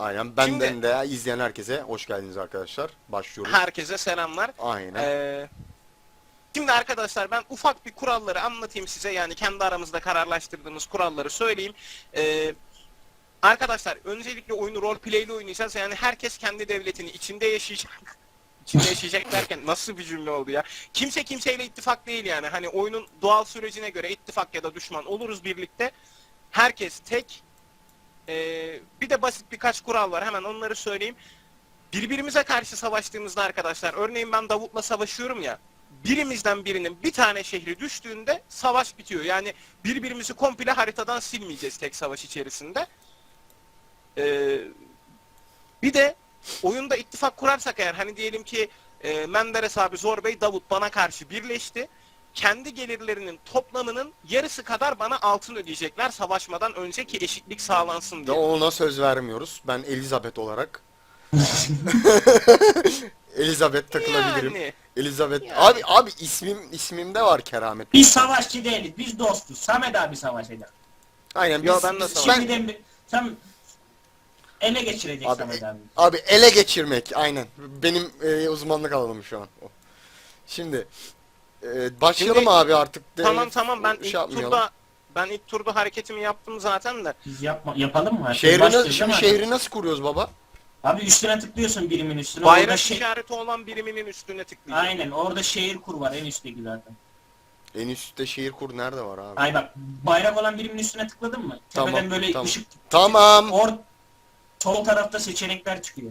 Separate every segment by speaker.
Speaker 1: Aynen. Benden
Speaker 2: Şimdi
Speaker 1: de izleyen herkese hoş geldiniz arkadaşlar. Başlıyoruz.
Speaker 2: herkese selamlar.
Speaker 1: Aynen.
Speaker 2: Ee, Şimdi arkadaşlar ben ufak bir kuralları anlatayım size. Yani kendi aramızda kararlaştırdığımız kuralları söyleyeyim. Ee, Arkadaşlar öncelikle oyunu roleplay'li oynayacağız. Yani herkes kendi devletini içinde yaşayacak. İçinde yaşayacak derken nasıl bir cümle oldu ya? Kimse kimseyle ittifak değil yani. Hani oyunun doğal sürecine göre ittifak ya da düşman oluruz birlikte. Herkes tek. Bir de basit birkaç kural var. Hemen onları söyleyeyim. Birbirimize karşı savaştığımızda arkadaşlar, örneğin ben Davut'la savaşıyorum ya, birimizden birinin bir tane şehri düştüğünde savaş bitiyor. Yani birbirimizi komple haritadan silmeyeceğiz tek savaş içerisinde. Ee, Bir de oyunda ittifak kurarsak eğer, hani diyelim ki Menderes abi, Zor Bey, Davut bana karşı birleşti. Kendi gelirlerinin toplamının yarısı kadar bana altın ödeyecekler savaşmadan önceki eşitlik sağlansın
Speaker 1: Ve
Speaker 2: diye.
Speaker 1: ona söz vermiyoruz. Ben Elizabeth olarak. Elizabeth takılabilirim.
Speaker 2: Yani,
Speaker 1: Elizabeth.
Speaker 2: yani.
Speaker 1: Abi ismimde var keramet.
Speaker 3: Biz savaşçı değiliz. Biz dostuz. Samet abi savaşacak.
Speaker 1: Aynen
Speaker 2: Yo,
Speaker 1: biz,
Speaker 2: ben de
Speaker 1: biz-
Speaker 2: savaşacağım.
Speaker 1: ben
Speaker 3: Şimdiden sen ele geçirecek
Speaker 1: abi,
Speaker 3: Samet abi.
Speaker 1: abi ele geçirmek aynen. Benim uzmanlık alanım şu an. O. Şimdi başlayalım
Speaker 2: Şimdi,
Speaker 1: abi artık.
Speaker 2: Tamam, ben
Speaker 1: şey
Speaker 2: ilk
Speaker 1: yapmayalım.
Speaker 2: turda hareketimi yaptım zaten de.
Speaker 3: Biz yapalım mı?
Speaker 1: Şimdi şehri nasıl kuruyoruz baba?
Speaker 3: Abi üstüne tıklıyorsun birimin üstüne.
Speaker 2: Bayrak
Speaker 3: Orada
Speaker 2: işareti olan biriminin üstüne tıklayacağım.
Speaker 3: Aynen orada şehir kur var en üstteki zaten.
Speaker 1: En üstte şehir kur nerede var abi?
Speaker 3: Ay bak bayrak olan birimin üstüne tıkladın mı?
Speaker 1: Tamam,
Speaker 3: Tepeden böyle
Speaker 1: tamam.
Speaker 3: ışık.
Speaker 1: Tamam.
Speaker 3: Sol tarafta seçenekler çıkıyor.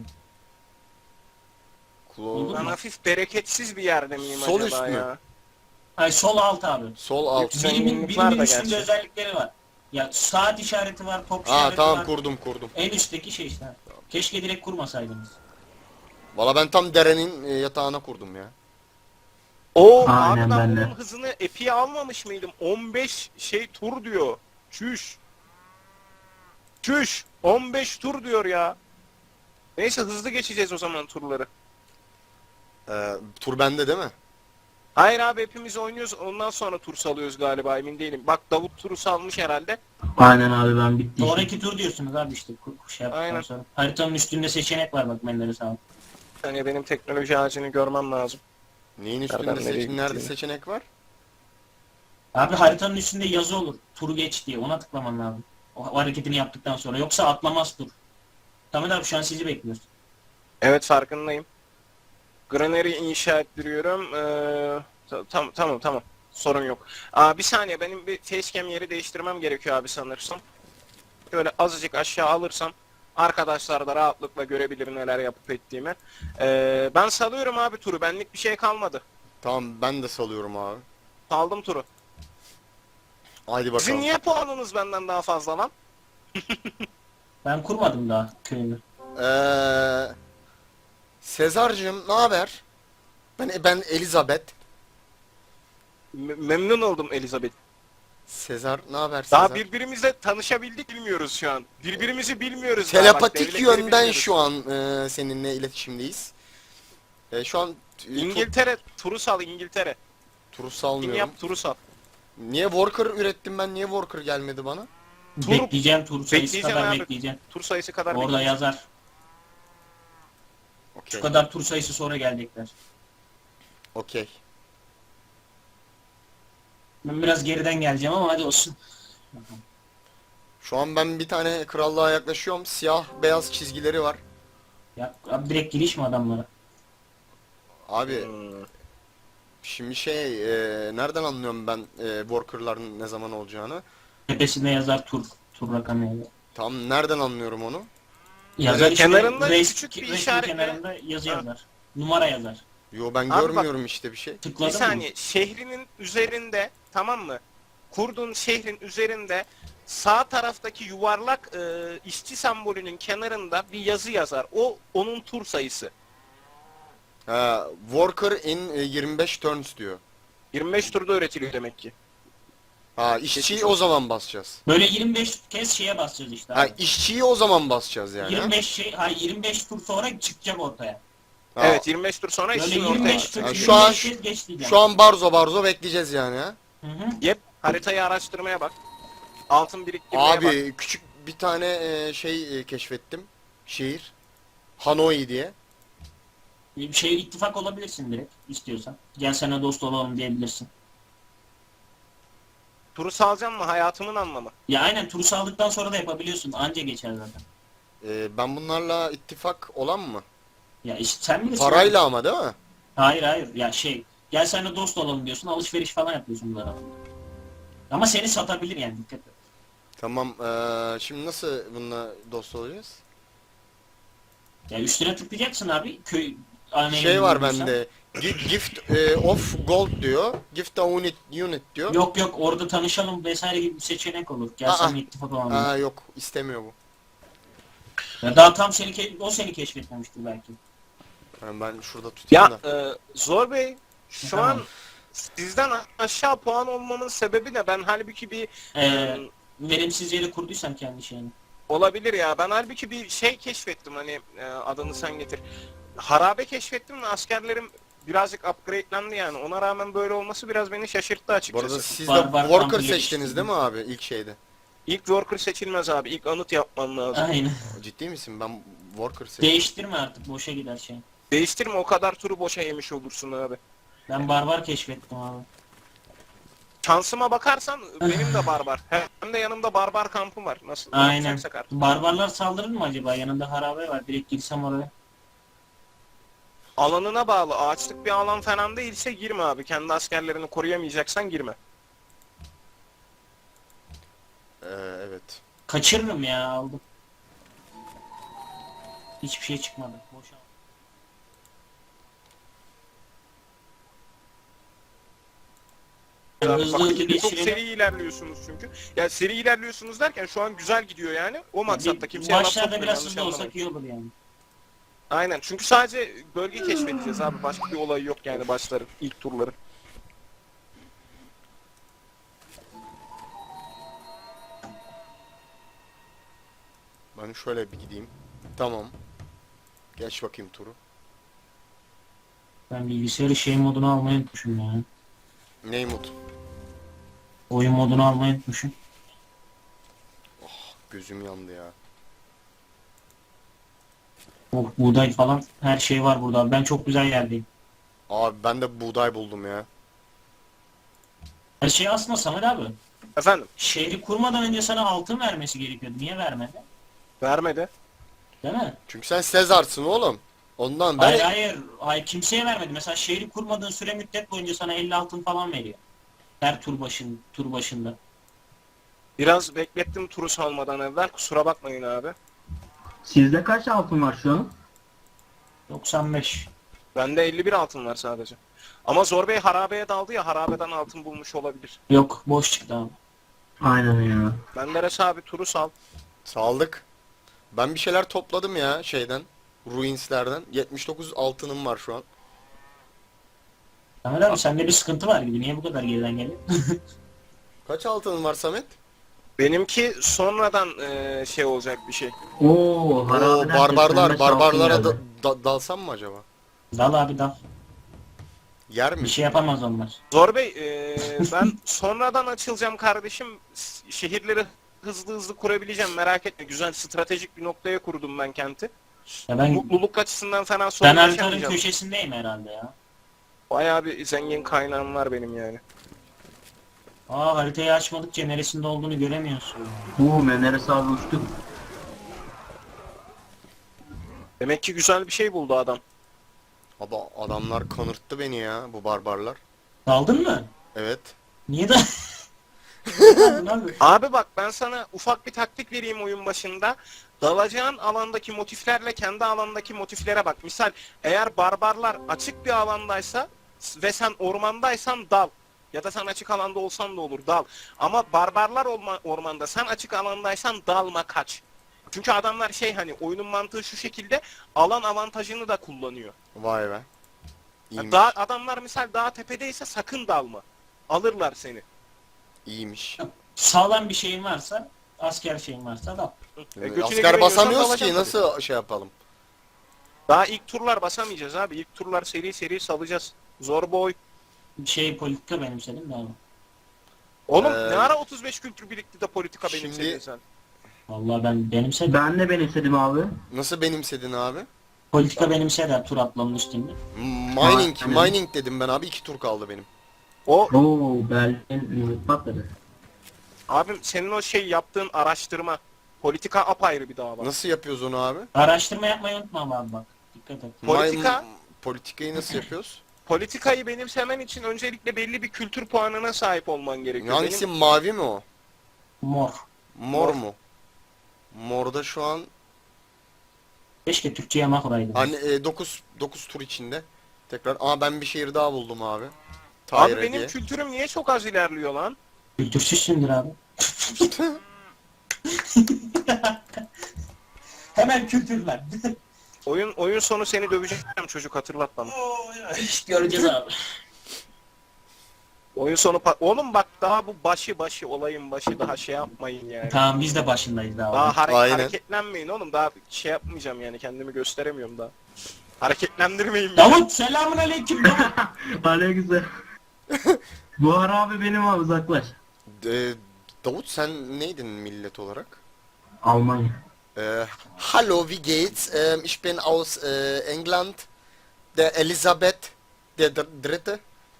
Speaker 1: Klo-
Speaker 2: Ben hafif bereketsiz bir yerde miyim
Speaker 1: Sol
Speaker 2: acaba
Speaker 1: üst mü?
Speaker 2: ya?
Speaker 3: Ay sol alt abi.
Speaker 1: Sol alt.
Speaker 2: Zenginlikler
Speaker 3: Birimin
Speaker 2: de
Speaker 3: üstünde
Speaker 2: gerçi.
Speaker 3: özellikleri var. Ya saat işareti var, top
Speaker 1: Aa
Speaker 3: işareti
Speaker 1: tamam
Speaker 3: var.
Speaker 1: kurdum.
Speaker 3: En üstteki şey işte. Keşke direkt kurmasaydınız.
Speaker 1: Valla ben tam derenin yatağına kurdum ya.
Speaker 2: Oo
Speaker 3: Aynen,
Speaker 2: abi ben
Speaker 3: ben de.
Speaker 2: bunun hızını epiye almamış mıydım? 15 tur diyor. Çüş. 15 tur diyor ya. Neyse hızlı geçeceğiz o zaman turları.
Speaker 1: Tur bende değil mi?
Speaker 2: Hayır abi, hepimiz oynuyoruz, ondan sonra tur salıyoruz galiba, emin değilim. Bak Davut turu salmış herhalde.
Speaker 4: Aynen abi ben bitti.
Speaker 3: Sonraki tur diyorsunuz abi işte şey yaptıktan
Speaker 2: Aynen.
Speaker 3: sonra. Haritanın üstünde seçenek var bak Menderes abi.
Speaker 2: Yani benim teknoloji ağacını görmem lazım.
Speaker 1: Neyin
Speaker 2: Nereden
Speaker 1: üstünde
Speaker 2: nereye
Speaker 1: nerede
Speaker 2: gittiğini.
Speaker 1: seçenek var?
Speaker 3: Abi haritanın üstünde yazı olur. Turu geç diye ona tıklaman lazım. O hareketini yaptıktan sonra. Yoksa atlamaz tur. Tamam abi şu an sizi bekliyoruz.
Speaker 2: Evet, farkındayım. Granary inşa ettiriyorum. Tamam. Sorun yok. Bir saniye, benim bir facecam yeri değiştirmem gerekiyor abi sanırsam. Şöyle azıcık aşağı alırsam arkadaşlar da rahatlıkla görebilir neler yapıp ettiğimi. Ben salıyorum abi turu. Benlik bir şey kalmadı.
Speaker 1: Tamam ben de salıyorum abi.
Speaker 2: Saldım turu.
Speaker 1: Haydi
Speaker 2: Sizin
Speaker 1: bakalım.
Speaker 2: niye puanınız benden daha fazla lan?
Speaker 3: Ben kurmadım daha köyümü.
Speaker 1: Sezar'cığım ne haber? Ben Elizabeth.
Speaker 2: Memnun oldum Elizabeth.
Speaker 1: Sezar ne haber Sezar?
Speaker 2: Daha birbirimizle tanışabildik, bilmiyoruz şu an. Birbirimizi bilmiyoruz daha, bak,
Speaker 1: Telepatik
Speaker 2: devletleri
Speaker 1: yönden
Speaker 2: bilmiyoruz.
Speaker 1: şu an seninle iletişimdeyiz. Şu an
Speaker 2: İngiltere turu sal, İngiltere.
Speaker 1: turu
Speaker 2: Kim
Speaker 1: salmıyorum.
Speaker 2: yap turu sal.
Speaker 1: Niye Worker ürettim ben? Niye Worker gelmedi bana?
Speaker 2: Tur-
Speaker 3: Bekleyeceğim tur sayısı
Speaker 2: Bekleyeceğim
Speaker 3: kadar
Speaker 2: abi.
Speaker 3: bekleyeceğim.
Speaker 2: Tur sayısı kadar
Speaker 3: Orada
Speaker 2: bekleyeceğim.
Speaker 3: yazar. Şu
Speaker 1: Okey.
Speaker 3: kadar tur sayısı sonra gelecekler.
Speaker 1: Okey.
Speaker 3: Ben biraz geriden geleceğim ama hadi olsun.
Speaker 1: Şu an ben bir tane krallığa yaklaşıyorum. Siyah beyaz çizgileri var.
Speaker 3: Ya abi direkt giriş mi adamlara?
Speaker 1: Abi
Speaker 2: Hmm.
Speaker 1: şimdi nereden anlıyorum ben worker'ların ne zaman olacağını?
Speaker 3: Tepesinde yazar tur rakamı yazar.
Speaker 1: Tam nereden anlıyorum onu?
Speaker 3: Yazar işte
Speaker 2: Kenarında
Speaker 3: reis-
Speaker 2: küçük bir
Speaker 3: resmin
Speaker 2: işaretle-
Speaker 3: kenarında yazı
Speaker 2: Ha.
Speaker 3: yazar. Numara yazar.
Speaker 1: Yo ben
Speaker 2: bak-
Speaker 1: görmüyorum işte bir şey.
Speaker 2: Bir
Speaker 3: Tıkladın mı?
Speaker 2: saniye, şehrinin üzerinde, tamam mı? Kurduğun şehrin üzerinde sağ taraftaki yuvarlak işçi sembolünün kenarında bir yazı yazar. O onun tur sayısı.
Speaker 1: Worker in 25 turns diyor.
Speaker 2: 25 turda üretiliyor demek ki.
Speaker 1: İşçiyi o zaman basacağız.
Speaker 3: Böyle 25 kez şeye basacağız işte. Abi.
Speaker 1: İşçiyi o zaman basacağız yani.
Speaker 3: 25 tur sonra çıkacak ortaya.
Speaker 2: Evet, 25 tur sonra
Speaker 3: Böyle
Speaker 2: işin ortaya
Speaker 3: 25
Speaker 2: çıkacak.
Speaker 3: tur
Speaker 1: Ha,
Speaker 3: 25 kez geç diyeceğim.
Speaker 1: Şu an barzo bekleyeceğiz yani ha.
Speaker 3: Hı hı.
Speaker 2: Yep, haritayı araştırmaya bak. Altın biriktirmeye bak.
Speaker 1: Abi küçük bir tane keşfettim. şehir. Hanoi diye.
Speaker 3: Bir şey ittifak olabilirsin direkt istiyorsan. Gel sana dost olalım diyebilirsin.
Speaker 2: Turu salacağım mı? Hayatımın anlamı.
Speaker 3: Ya aynen turu sağladıktan sonra da yapabiliyorsun. Anca geçer zaten.
Speaker 1: Ben bunlarla ittifak olan mı?
Speaker 3: Ya işte sen bilirsin.
Speaker 1: Parayla ama değil mi?
Speaker 3: Hayır hayır. Ya şey gel seninle dost olalım diyorsun. Alışveriş falan yapıyorsun bunlara. Ama seni satabilir yani dikkat et.
Speaker 1: Tamam. Şimdi nasıl bununla dost olacağız?
Speaker 3: Ya üstüne tıklayacaksın abi. Köy aynı
Speaker 1: Şey
Speaker 3: evini
Speaker 1: var
Speaker 3: bulduysan.
Speaker 1: bende. Gift of gold diyor. Gift a unit diyor.
Speaker 3: Yok yok orada tanışalım vesaire gibi bir seçenek olur. Gel
Speaker 1: Aa.
Speaker 3: seninle ittifak olalım.
Speaker 1: Aa yok istemiyor bu.
Speaker 3: Ya daha tam o seni keşfetmemiştir belki.
Speaker 1: Yani ben şurada tutayım
Speaker 2: Ya
Speaker 1: da.
Speaker 2: Zor Bey, şu
Speaker 3: Tamam.
Speaker 2: an sizden aşağı puan olmamın sebebi ne? Ben halbuki bir
Speaker 3: Ee, verimsiz yere kurduysam kendi şeyini.
Speaker 2: olabilir ya. Ben halbuki bir şey keşfettim hani adını sen getir. Harabe keşfettim ve askerlerim birazcık upgrade'lendi yani. Ona rağmen böyle olması biraz beni şaşırttı
Speaker 1: Bu
Speaker 2: açıkçası.
Speaker 1: arada siz de
Speaker 3: Barbar
Speaker 1: worker
Speaker 3: kampı
Speaker 1: seçtiniz değil mi abi ilk şeyde?
Speaker 2: İlk worker seçilmez abi. İlk anıt yapman lazım.
Speaker 3: Aynen.
Speaker 1: Ciddi misin? Ben worker seçtim.
Speaker 3: Değiştirme artık boşa gider şey.
Speaker 2: Değiştirme, o kadar turu boşa yemiş olursun abi.
Speaker 3: Ben barbar keşfettim abi.
Speaker 2: Şansıma bakarsan benim de barbar. Hem de yanımda barbar kampı var. Nasıl?
Speaker 3: Aynen.
Speaker 2: Yapacaksak artık.
Speaker 3: Barbarlar saldırır mı acaba? Yanında harabe var. Direkt girsem oraya.
Speaker 2: Alanına bağlı. Ağaçlık bir alan falan değilse girme abi. Kendi askerlerini koruyamayacaksan girme.
Speaker 1: Evet.
Speaker 3: Kaçırırım ya aldım. Hiçbir şey çıkmadı. Boşa.
Speaker 2: Abi,
Speaker 3: Hızlı
Speaker 2: bak,
Speaker 3: hızlı
Speaker 2: çok
Speaker 3: geçirelim.
Speaker 2: seri ilerliyorsunuz çünkü. Ya seri ilerliyorsunuz derken şu an güzel gidiyor yani. O maksatta kimseye laf
Speaker 3: Başlarda
Speaker 2: sokmuyor,
Speaker 3: biraz
Speaker 2: yanlış
Speaker 3: hızlı
Speaker 2: anlamayın.
Speaker 3: olsak iyi olur yani.
Speaker 2: Aynen. Çünkü sadece bölge keşfedeceğiz abi. Başka bir olay yok yani başların, ilk turları.
Speaker 1: Ben şöyle bir gideyim. Tamam. Geç bakayım turu.
Speaker 3: Ben bilgisayarı şey moduna almayı unutmuşum ya.
Speaker 1: Neymut.
Speaker 3: Oyun modunu almayı unutmuşum.
Speaker 1: Gözüm yandı ya.
Speaker 3: Oh, buğday falan her şey var burada. Ben çok güzel yerdeyim.
Speaker 1: Abi ben de buğday buldum ya.
Speaker 3: Her şey aslında Samet abi.
Speaker 2: Efendim?
Speaker 3: Şehri kurmadan önce sana altın vermesi gerekiyordu. Niye vermedi?
Speaker 2: Vermedi.
Speaker 3: Değil mi?
Speaker 1: Çünkü sen Sezar'sın oğlum. Ondan ben...
Speaker 3: Hayır hayır. Hayır kimseye vermedi. Mesela şehri kurmadığın süre müddet boyunca sana 50 altın falan veriyor. Her tur başında.
Speaker 2: Biraz beklettim turu salmadan evvel. Kusura bakmayın abi.
Speaker 4: Sizde kaç altın var şu an?
Speaker 3: 95.
Speaker 2: Bende 51 altın var sadece. Ama Zor Bey harabeye daldı ya, harabeden altın bulmuş olabilir.
Speaker 3: Yok boş çıktı abi.
Speaker 4: Aynen ya.
Speaker 2: Menderes abi turu sal.
Speaker 1: Saldık. Ben bir şeyler topladım ya şeyden. Ruins'lerden. 79 altınım var şu an.
Speaker 3: Samet abi sende bir sıkıntı var gibi. Niye bu kadar geriden geliyor?
Speaker 1: Kaç altının var Samet?
Speaker 2: Benimki sonradan şey olacak bir şey.
Speaker 4: Oo,
Speaker 1: Oo,
Speaker 4: harabeden
Speaker 1: barbarlar.
Speaker 4: 85
Speaker 1: Barbarlara
Speaker 4: altın geldi.
Speaker 1: dalsam mı acaba?
Speaker 3: Dal abi dal.
Speaker 1: Yer mi?
Speaker 3: Bir şey yapamaz onlar.
Speaker 2: Zor Bey ben sonradan açılacağım kardeşim. Şehirleri hızlı hızlı kurabileceğim, merak etme. Güzel stratejik bir noktaya kurdum ben kenti.
Speaker 3: Ya ben
Speaker 2: Mutluluk açısından falan sorun
Speaker 3: ben haritanın
Speaker 2: yaşamayacağım.
Speaker 3: köşesindeyim herhalde ya.
Speaker 2: Bayağı bir zengin kaynağım var benim yani.
Speaker 3: Aa haritayı açmadıkça neresinde olduğunu göremiyorsun.
Speaker 4: Menderes abi uçtu.
Speaker 2: Demek ki güzel bir şey buldu adam.
Speaker 1: Abi adamlar kanırttı beni ya bu barbarlar.
Speaker 3: Daldın mı?
Speaker 1: Evet.
Speaker 3: Niye da? Niye daldın abi?
Speaker 2: Abi bak, ben sana ufak bir taktik vereyim oyun başında. Dalacağın alandaki motiflerle kendi alandaki motiflere bak. Misal eğer barbarlar açık bir alandaysa ve sen ormandaysan dal. Ya da sen açık alanda olsan da olur, dal. Ama barbarlar ormanda, sen açık alandaysan dalma, kaç. Çünkü adamlar şey, hani oyunun mantığı şu şekilde, alan avantajını da kullanıyor.
Speaker 1: Vay be.
Speaker 2: Yani
Speaker 1: İyiymiş.
Speaker 2: adamlar misal dağ tepedeyse sakın dalma. Alırlar seni.
Speaker 1: İyiymiş.
Speaker 3: Sağlam bir şeyin varsa, asker şeyin varsa dal.
Speaker 2: Götüne
Speaker 1: Asker
Speaker 2: güveniyorsan
Speaker 1: basamıyoruz
Speaker 2: dalacaksın
Speaker 1: ki
Speaker 2: tabii.
Speaker 1: nasıl şey yapalım?
Speaker 2: Daha ilk turlar basamayacağız abi. İlk turlar seri seri salacağız. Zor boy.
Speaker 3: Şey politika benimsedim de abi.
Speaker 2: Oğlum
Speaker 1: Ee,
Speaker 2: ne ara 35 kültür birikti de politika
Speaker 1: şimdi-
Speaker 2: benimsedin sen.
Speaker 3: Vallahi ben benimsedim.
Speaker 4: Ben de benimsedim abi.
Speaker 1: Nasıl benimsedin abi?
Speaker 3: Politika benimseder tur atlamanın üstünde.
Speaker 1: Mining,
Speaker 4: Aynen.
Speaker 1: mining dedim ben abi. 2 tur kaldı benim.
Speaker 2: O
Speaker 4: Oo Berlin limit patladı.
Speaker 2: abim senin o şey yaptığın araştırma politika apayrı bir dava.
Speaker 1: Nasıl yapıyoruz onu abi?
Speaker 3: Araştırma yapmayı unutma ama abi bak. Dikkat et.
Speaker 2: Politika-
Speaker 1: Politikayı nasıl yapıyoruz?
Speaker 2: Politikayı benimsemen için öncelikle belli bir kültür puanına sahip olman gerekiyor.
Speaker 1: Hangisi, mavi mi o?
Speaker 3: Mor.
Speaker 1: Mor
Speaker 2: Mor.
Speaker 1: mu? Morda şu an
Speaker 3: Keşke Türkçe yamak oraydı.
Speaker 1: hani 9 tur içinde. Tekrar ben bir şehir daha buldum abi.
Speaker 2: Abi
Speaker 1: Tahir
Speaker 2: benim
Speaker 1: diye.
Speaker 2: kültürüm niye çok az ilerliyor lan?
Speaker 3: Kültürsüzsündür abi. Hemen kültürler.
Speaker 2: Oyun sonu seni döveceğim çocuk, hatırlat bana.
Speaker 3: Göreceğiz abi.
Speaker 2: Oyun sonu oğlum bak, daha bu başı olayın başı, daha şey yapmayın yani.
Speaker 3: Tamam biz de başındayız daha.
Speaker 2: Daha
Speaker 1: Aynen.
Speaker 2: hareketlenmeyin oğlum, daha şey yapmayacağım yani, kendimi gösteremiyorum daha. Hareketlendirmeyin beni.
Speaker 3: Davut selamun aleyküm Davut.
Speaker 4: Aleykümselam. Bu ara abi benim abi uzaklaş.
Speaker 1: Davut, sen neydin millet olarak?
Speaker 4: Almanya.
Speaker 1: Hallo, wie geht's? Ich bin aus England. Der Elisabeth der Dritte.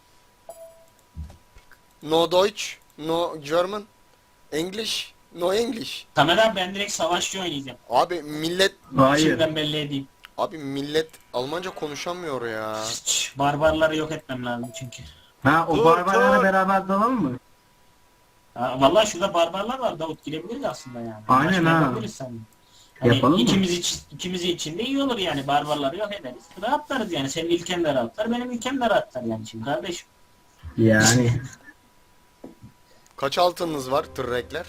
Speaker 1: No Deutsch, no German. English, no English.
Speaker 3: Tamer abi ben direkt savaşçı oynayacağım.
Speaker 1: Abi millet
Speaker 4: Hayır.
Speaker 3: Şimdiden belli edeyim.
Speaker 1: Almanca konuşamıyor ya.
Speaker 3: Barbarları yok etmem lazım çünkü.
Speaker 4: Ha o
Speaker 2: Dur,
Speaker 4: barbarlarla
Speaker 2: dur.
Speaker 4: beraber dalalım mı?
Speaker 3: Ha, vallahi şurada barbarlar var Davut, girebiliriz aslında yani.
Speaker 4: Aynen
Speaker 3: Başka
Speaker 4: ha.
Speaker 3: yapabiliriz seninle. Hani
Speaker 4: Yapalım mı?
Speaker 3: ikimiz için de iyi olur yani, barbarları yok ederiz. Rahatlarız yani, senin ülken de rahatlar, benim ülkem de rahatlar yani şimdi kardeşim.
Speaker 4: Yani.
Speaker 1: Kaç altınınız var tırrekler?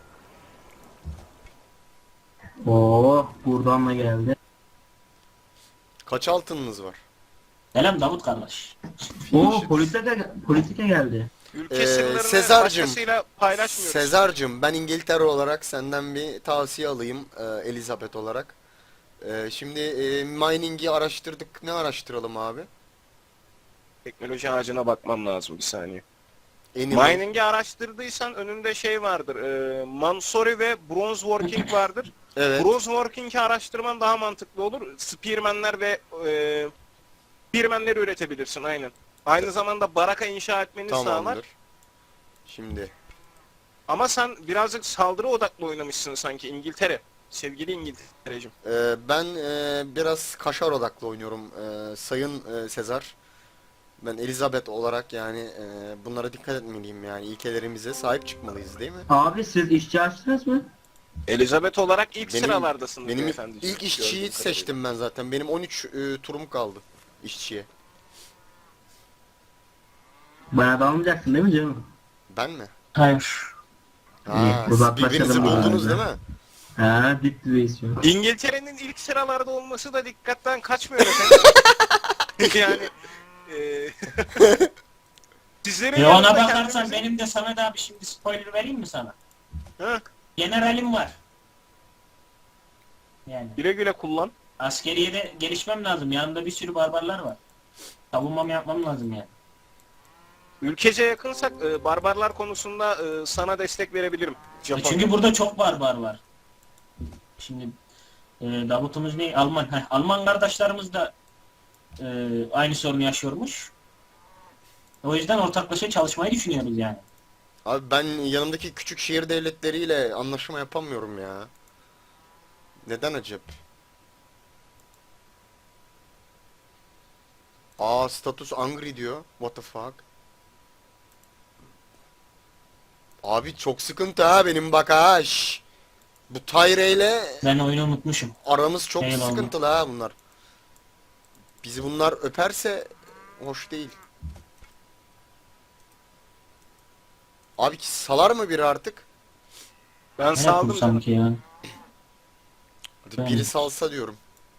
Speaker 4: Oo buradan da geldi.
Speaker 1: Kaç altınınız var?
Speaker 3: Selam Davut kardeş.
Speaker 4: Oo politika geldi.
Speaker 2: Ülke sırlarını
Speaker 1: Sezar'cığım,
Speaker 2: başkasıyla paylaşmıyoruz.
Speaker 1: Sezar'cığım, ben İngiltere olarak senden bir tavsiye alayım, Elizabeth olarak. Şimdi mining'i araştırdık. Ne araştıralım abi?
Speaker 2: Teknoloji ağacına bakmam lazım bir saniye.
Speaker 1: Animal.
Speaker 2: Mining'i araştırdıysan önünde şey vardır. Mansory ve Bronze Working vardır.
Speaker 1: Evet.
Speaker 2: Bronze Working'i araştırman daha mantıklı olur. Spearman'ler ve Spearman'leri üretebilirsin aynen. Aynı zamanda baraka inşa etmeni sağlar.
Speaker 1: Tamamdır. Şimdi
Speaker 2: Ama sen birazcık saldırı odaklı oynamışsın sanki İngiltere. Sevgili İngiltere'cim.
Speaker 1: ben biraz kaşar odaklı oynuyorum, Sayın Sezar. Ben Elizabeth olarak yani bunlara dikkat etmeliyim, yani ilkelerimize sahip çıkmalıyız, değil mi?
Speaker 4: Abi siz işçi açtınız mı?
Speaker 2: Elizabeth olarak ilk
Speaker 1: Benim-
Speaker 2: sıralardasın
Speaker 1: Benim
Speaker 2: beyefendiciğim.
Speaker 1: ilk işçiyi
Speaker 2: Gördüğüm kadarıyla.
Speaker 1: seçtim ben zaten. Benim 13 turum kaldı işçiye.
Speaker 4: Bana da almayacaksın değil mi canım?
Speaker 1: Ben mi?
Speaker 3: Hayır.
Speaker 1: Siz
Speaker 4: uzaklaşalım
Speaker 1: birbirinizi buldunuz
Speaker 4: bari.
Speaker 1: değil mi?
Speaker 4: Ha dip dibeyiz şu an.
Speaker 2: İngiltere'nin ilk sıralarda olması da dikkatten kaçmıyor efendim. Yani sizlerin
Speaker 3: Ona
Speaker 2: yanında
Speaker 3: bakarsan
Speaker 2: kendimizi-
Speaker 3: benim de Samet abi şimdi spoiler vereyim mi sana?
Speaker 2: Ha,
Speaker 3: Generalim var. Yani
Speaker 2: güle güle kullan.
Speaker 3: askeriyede gelişmem lazım. Yanımda bir sürü barbarlar var. Savunmamı yapmam lazım yani.
Speaker 2: Ülkece yakınsak barbarlar konusunda sana destek verebilirim. Japon.
Speaker 3: Çünkü burada çok barbar var. Şimdi Davut'umuz ne? Alman. Alman kardeşlerimiz de aynı sorunu yaşıyormuş. O yüzden ortaklaşa çalışmayı düşünüyoruz yani.
Speaker 1: Abi ben yanımdaki küçük şehir devletleriyle anlaşma yapamıyorum ya. Neden acep? Status angry diyor. What the fuck? Abi çok sıkıntı ha benim, bak ha. Şş. Bu Tyre ile
Speaker 3: Ben oyunu unutmuşum.
Speaker 1: aramız çok
Speaker 3: Eyvallah.
Speaker 1: sıkıntılı ha bunlar. Bizi bunlar öperse hoş değil. Abi ki salar mı biri artık?
Speaker 2: Ben
Speaker 3: Ne
Speaker 2: saldım
Speaker 3: yaptım
Speaker 2: canım.
Speaker 3: sanki ya?
Speaker 1: Hadi
Speaker 3: Ben-
Speaker 1: biri salsa diyorum.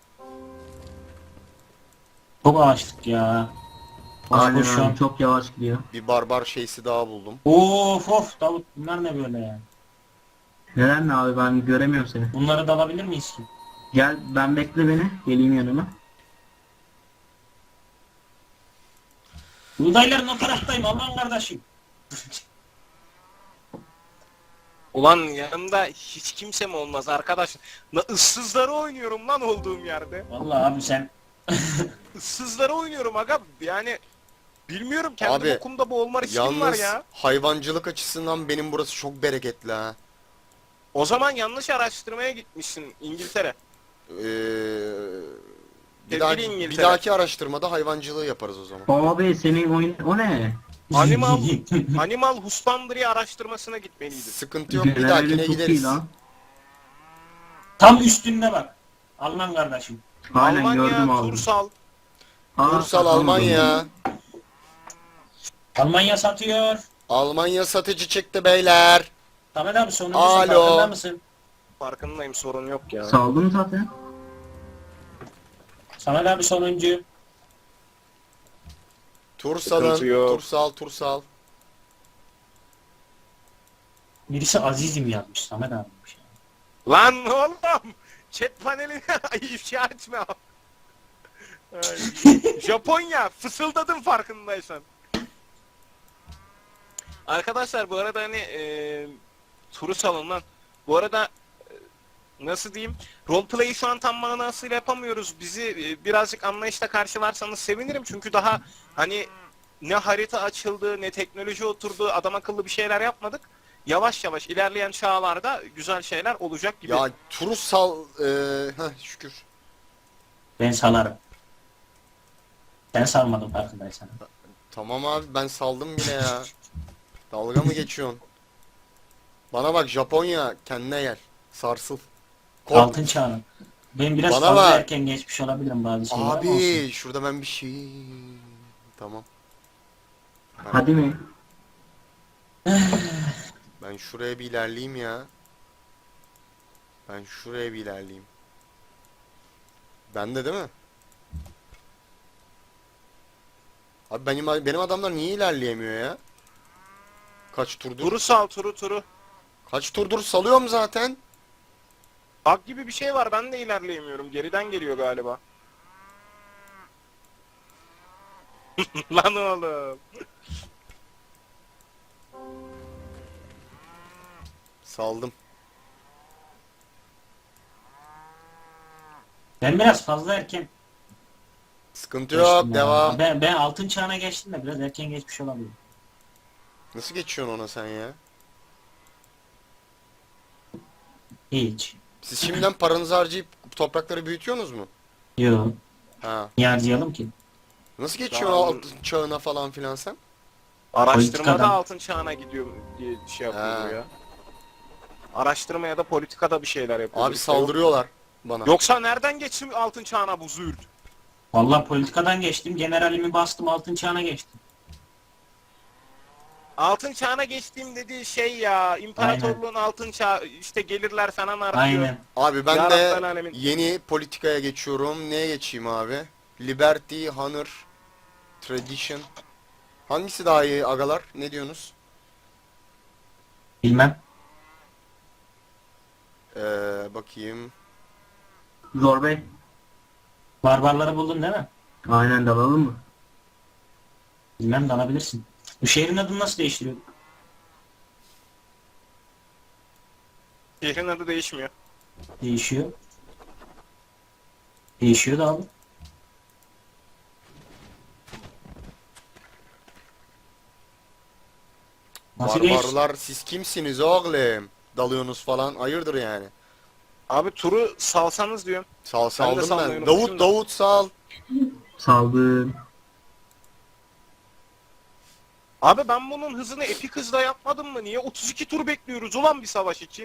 Speaker 3: Çok ağaçlık ya.
Speaker 4: Aynen
Speaker 3: Boş şu an.
Speaker 4: abi çok yavaş gidiyor.
Speaker 1: Bir barbar şeysi daha buldum.
Speaker 3: Of Davut, bunlar ne böyle ya?
Speaker 4: Neden ne abi ben göremiyorum seni.
Speaker 3: Bunları da alabilir miyiz ki?
Speaker 4: Gel ben bekle beni. Geleyim yanıma.
Speaker 3: Buğdayların o taraftayım Alman kardeşim.
Speaker 2: Ulan yanımda hiç kimse mi olmaz arkadaş? Issızları oynuyorum lan olduğum yerde.
Speaker 3: Vallahi abi sen
Speaker 2: Issızları oynuyorum aga. Yani bilmiyorum kendi
Speaker 1: Abi,
Speaker 2: bokumda boğulma riskim var
Speaker 1: Yalnız
Speaker 2: ya.
Speaker 1: hayvancılık açısından benim burası çok bereketli ha.
Speaker 2: O zaman yanlış araştırmaya gitmişsin İngiltere.
Speaker 1: Ee,
Speaker 2: Sevgili
Speaker 1: bir
Speaker 2: İngiltere.
Speaker 1: dahaki araştırmada hayvancılığı yaparız o zaman.
Speaker 4: Abi senin oyun o ne?
Speaker 2: Animal Husbandry araştırmasına gitmeliydin.
Speaker 1: Sıkıntı yok, bir
Speaker 4: Generalin
Speaker 1: dahakine
Speaker 4: çok iyi
Speaker 1: gideriz.
Speaker 4: lan.
Speaker 3: tam üstünde bak. Alman kardeşim.
Speaker 4: Aynen gördüm
Speaker 2: Almanya,
Speaker 4: abi.
Speaker 2: Tursal.
Speaker 1: Ulusal Almanya.
Speaker 3: Almanya satıyor.
Speaker 1: Almanya satıcı çıktı beyler.
Speaker 3: Samet abi sonuncusun,
Speaker 1: Alo.
Speaker 3: farkında mısın?
Speaker 2: Farkındayım, sorun yok ya.
Speaker 4: Saldım zaten.
Speaker 3: Samet abi sonuncu.
Speaker 1: Tursal'ın,
Speaker 2: yok.
Speaker 1: Tursal.
Speaker 3: Birisi Azizim yazmış Samet abi.
Speaker 2: Lan oğlum! Chat panelini ifşa etme. Ay, Japonya, fısıldadım farkındaysan. Arkadaşlar bu arada hani turu salın lan. Bu arada nasıl diyeyim? Roleplay'i şu an tam manasıyla yapamıyoruz. Bizi birazcık anlayışla karşılarsanız sevinirim. Çünkü daha hani ne harita açıldı, ne teknoloji oturdu, adam akıllı bir şeyler yapmadık. Yavaş yavaş ilerleyen çağlarda güzel şeyler olacak gibi.
Speaker 1: Ya Tursal, şükür.
Speaker 3: Ben salarım. Sen salmadın farkındaysan.
Speaker 1: Tamam abi, ben saldım bile ya. Dalga mı geçiyorsun? Bana bak Japonya, kendine gel. Sarsıl. Kork.
Speaker 3: Altın çağını. Ben biraz
Speaker 1: Bana
Speaker 3: fazla
Speaker 1: bak.
Speaker 3: erken geçmiş olabilirim bazı şeyler ama olsun.
Speaker 1: Abi şurada ben bir şey... Tamam.
Speaker 4: Hadi mi?
Speaker 1: Ben şuraya bir ilerleyeyim ya. Ben şuraya bir ilerleyeyim. Bende değil mi? Abi benim adamlar niye ilerleyemiyor ya? Kaç turdur?
Speaker 2: Turu sal, turu.
Speaker 1: Kaç turdur salıyorum zaten.
Speaker 2: Bak gibi bir şey var, ben de ilerleyemiyorum. Geriden geliyor galiba. Lan oğlum.
Speaker 1: Saldım.
Speaker 3: Ben biraz fazla erken
Speaker 1: Sıkıntı yok,
Speaker 3: geçtim ya.
Speaker 1: devam.
Speaker 3: Ben altın çağına geçtim de biraz erken geçmiş olabilirim.
Speaker 1: Nasıl geçiyorsun ona sen ya?
Speaker 3: Hiç.
Speaker 1: Siz şimdiden paranızı harcayıp toprakları büyütüyorsunuz mu?
Speaker 3: Yok.
Speaker 1: Ha.
Speaker 3: Niye harcayalım ki?
Speaker 1: Nasıl geçiyorsun
Speaker 2: Tamam.
Speaker 1: altın çağına falan filan sen?
Speaker 2: Araştırmada
Speaker 3: Politikadan.
Speaker 2: altın çağına gidiyor diye şey yapıyor
Speaker 1: Ha.
Speaker 2: bu ya. Araştırma ya da politikada bir şeyler yapıyor.
Speaker 1: Abi saldırıyorlar bana.
Speaker 2: Yoksa nereden geçsin altın çağına bu züğürt?
Speaker 3: Vallahi politikadan geçtim. Generalimi bastım, altın çağına geçtim.
Speaker 2: Altın çağına geçtiğim dediği şey ya, imparatorluğun altın çağı, işte gelirler falan artıyor.
Speaker 3: Aynen.
Speaker 1: Abi ben
Speaker 2: Ya
Speaker 1: de
Speaker 2: Rabbel Alemin.
Speaker 1: yeni politikaya geçiyorum. Neye geçeyim abi? Liberty, Honor, Tradition. Hangisi daha iyi agalar? Ne diyorsunuz?
Speaker 3: Bilmem.
Speaker 1: Bakayım.
Speaker 4: Zor Bey.
Speaker 3: Barbarları buldun değil mi?
Speaker 4: Aynen dalalım mı?
Speaker 3: Bilmem, dalabilirsin. Bu şehrin adını nasıl değiştiriyor?
Speaker 2: Şehrin adı değişmiyor.
Speaker 3: Değişiyor. Değişiyor da abi. Nasıl değiş?
Speaker 1: Barbarlar siz kimsiniz oğlum? Dalıyorsunuz falan. Hayırdır yani?
Speaker 2: Abi turu salsanız diyorum.
Speaker 1: Saldım
Speaker 2: salmayı
Speaker 1: ben.
Speaker 2: unutmuşum da.
Speaker 1: Davut sal.
Speaker 4: Saldım.
Speaker 2: Abi ben bunun hızını epik hızla yapmadım mı? Niye 32 tur bekliyoruz ulan bir savaş için?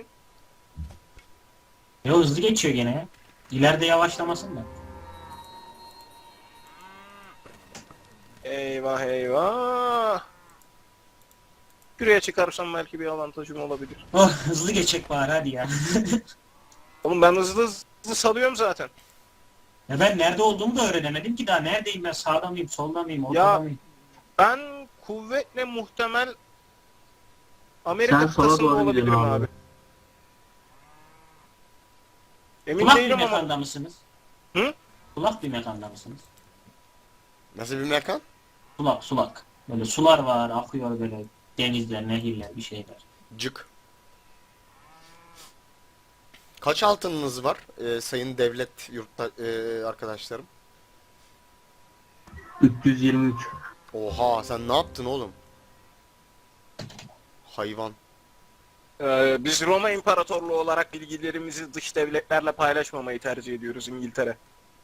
Speaker 3: Ya hızlı geçiyor gene ya. İleride yavaşlamasın da.
Speaker 2: Eyvah eyvah. Şuraya çıkarsam belki bir avantajım olabilir.
Speaker 3: Oh, hızlı geçecek bari hadi ya.
Speaker 2: Oğlum ben hızlı salıyorum zaten.
Speaker 3: Ya ben nerede olduğumu da öğrenemedim ki daha. Neredeyim ben? Sağda mıyım, solda mıyım, ortada
Speaker 2: Ya,
Speaker 3: mıyım?
Speaker 2: Ben kuvvetle muhtemel Amerika
Speaker 4: Sen sola
Speaker 2: kıtasında
Speaker 4: doğru
Speaker 2: olabilirim
Speaker 4: gidiyorsun
Speaker 2: abi.
Speaker 4: abi.
Speaker 2: Emin
Speaker 3: Kulak bir
Speaker 2: değilim ama
Speaker 3: mekanda mısınız?
Speaker 2: Hı?
Speaker 3: Kulak bir mekanda mısınız?
Speaker 1: Nasıl bir mekan?
Speaker 3: Sulak. Böyle sular var, akıyor böyle denizler, nehirler, bir şeyler.
Speaker 1: Cık. Kaç altınınız var sayın devlet yurtta arkadaşlarım?
Speaker 4: 323.
Speaker 1: Oha sen ne yaptın oğlum? Hayvan.
Speaker 2: Biz Roma İmparatorluğu olarak bilgilerimizi dış devletlerle paylaşmamayı tercih ediyoruz İngiltere.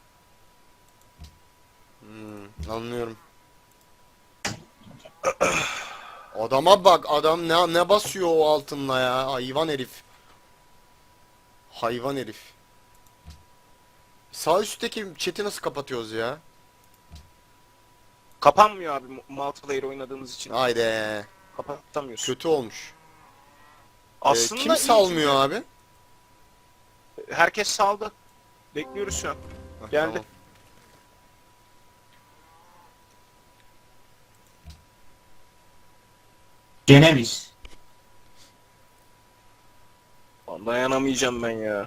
Speaker 1: Anlıyorum. Adama bak, adam ne basıyor o altınla ya, hayvan herif. Hayvan herif. Sağ üstteki chat'i nasıl kapatıyoruz ya?
Speaker 2: Kapanmıyor abi multiplayer oynadığımız için.
Speaker 1: Haydi.
Speaker 2: Kapatamıyorsun.
Speaker 1: Kötü olmuş.
Speaker 2: Aslında
Speaker 1: Kim
Speaker 2: iyi
Speaker 1: salmıyor
Speaker 2: çünkü
Speaker 1: abi?
Speaker 2: herkes saldı. Bekliyoruz şu an.
Speaker 1: Heh,
Speaker 2: Geldi.
Speaker 1: tamam.
Speaker 3: Ceneviz.
Speaker 2: Dayanamayacağım ben ya.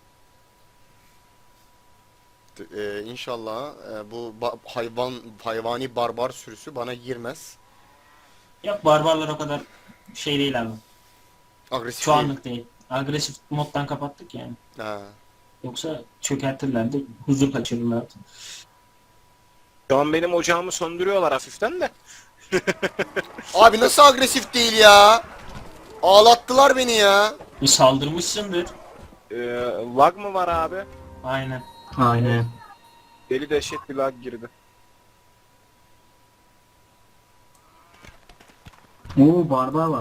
Speaker 1: İnşallah bu hayvani barbar sürüsü bana girmez.
Speaker 3: Yok, barbarlar o kadar şey değil abi.
Speaker 1: Agresif
Speaker 3: Şu
Speaker 1: değil.
Speaker 3: anlık değil. Agresif moddan kapattık yani.
Speaker 1: Ha.
Speaker 3: Yoksa çökertirlerdi, huzur kaçırırlardı.
Speaker 2: Şu an benim ocağımı söndürüyorlar hafiften de.
Speaker 1: Abi nasıl agresif değil ya? Ağlattılar beni ya.
Speaker 3: Saldırmışsındır.
Speaker 2: Lag mı var abi?
Speaker 3: Aynen.
Speaker 4: Aynen.
Speaker 2: Deli dehşet bir lag girdi.
Speaker 4: Oo barbar var.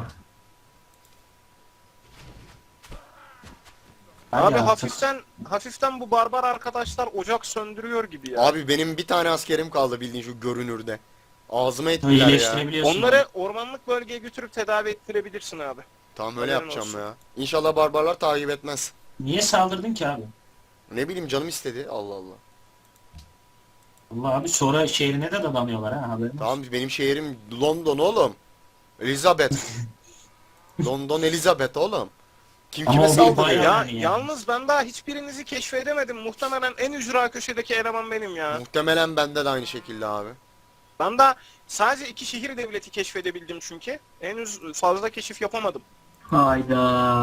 Speaker 3: Hadi
Speaker 2: Abi
Speaker 3: artık.
Speaker 2: hafiften bu barbar arkadaşlar ocak söndürüyor gibi ya.
Speaker 1: Abi benim bir tane askerim kaldı bildiğin şu görünürde. Ağzıma ettiler ya.
Speaker 3: İyileştirebiliyorsun.
Speaker 2: Onları ormanlık bölgeye götürüp tedavi ettirebilirsin abi.
Speaker 1: Tamam öyle
Speaker 2: Haberin
Speaker 1: yapacağım
Speaker 2: olsun.
Speaker 1: ya. İnşallah barbarlar takip etmez.
Speaker 3: Niye saldırdın ki abi?
Speaker 1: Ne bileyim canım istedi. Allah Allah.
Speaker 3: Allah abi, sonra şehrine de dadanıyorlar ha, haberin olsun.
Speaker 1: Tamam benim şehrim London oğlum. Elizabeth. London Elizabeth oğlum. Kim
Speaker 3: Ama
Speaker 1: kime
Speaker 3: o bir
Speaker 1: saldırıyor?
Speaker 3: bayağı-
Speaker 2: Ya
Speaker 3: Yani.
Speaker 2: yalnız ben daha hiçbirinizi keşfedemedim. Muhtemelen en ücra köşedeki eleman benim ya.
Speaker 1: Muhtemelen bende de aynı şekilde abi.
Speaker 2: Ben daha sadece 2 şehir devleti keşfedebildim çünkü. Henüz fazla keşif yapamadım.
Speaker 4: Hayda.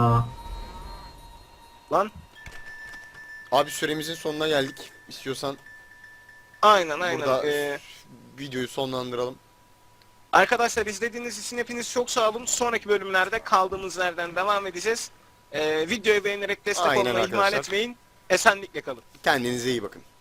Speaker 2: Lan.
Speaker 1: Abi süremizin sonuna geldik. İstiyorsan
Speaker 2: Aynen.
Speaker 1: burada videoyu sonlandıralım.
Speaker 2: Arkadaşlar izlediğiniz için hepiniz çok sağ olun. Sonraki bölümlerde kaldığımız yerden devam edeceğiz. Videoyu beğenerek destek
Speaker 1: Aynen
Speaker 2: olmayı ihmal
Speaker 1: arkadaşlar.
Speaker 2: etmeyin. Esenlikle kalın.
Speaker 1: Kendinize iyi bakın.